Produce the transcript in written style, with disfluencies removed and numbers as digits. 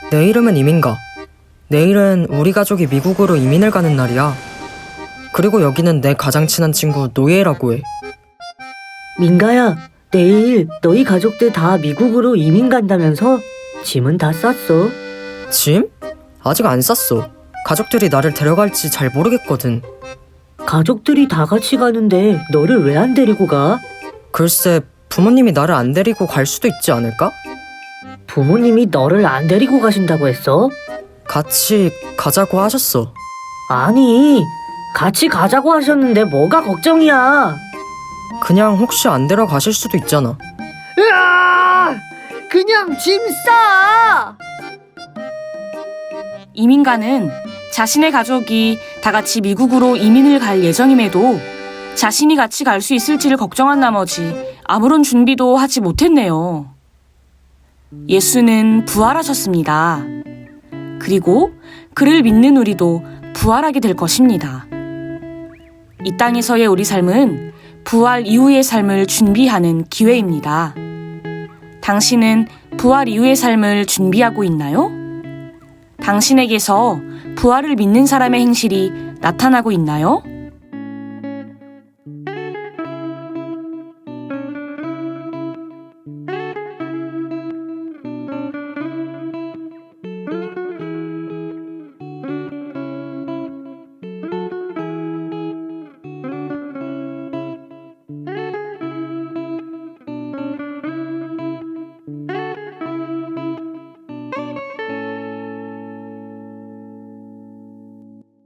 내 이름은 이민가. 내일은 우리 가족이 미국으로 이민을 가는 날이야. 그리고 여기는 내 가장 친한 친구 노예라고 해. 민가야, 내일 너희 가족들 다 미국으로 이민 간다면서? 짐은 다 쌌어? 짐? 아직 안 쌌어. 가족들이 나를 데려갈지 잘 모르겠거든. 가족들이 다 같이 가는데 너를 왜 안 데리고 가? 글쎄, 부모님이 나를 안 데리고 갈 수도 있지 않을까? 부모님이 너를 안 데리고 가신다고 했어? 같이 가자고 하셨어. 아니, 같이 가자고 하셨는데 뭐가 걱정이야? 그냥 혹시 안 데려가실 수도 있잖아. 으아! 그냥 짐 싸! 이민가는 자신의 가족이 다 같이 미국으로 이민을 갈 예정임에도 자신이 같이 갈 수 있을지를 걱정한 나머지 아무런 준비도 하지 못했네요. 예수는 부활하셨습니다. 그리고 그를 믿는 우리도 부활하게 될 것입니다. 이 땅에서의 우리 삶은 부활 이후의 삶을 준비하는 기회입니다. 당신은 부활 이후의 삶을 준비하고 있나요? 당신에게서 부활을 믿는 사람의 행실이 나타나고 있나요?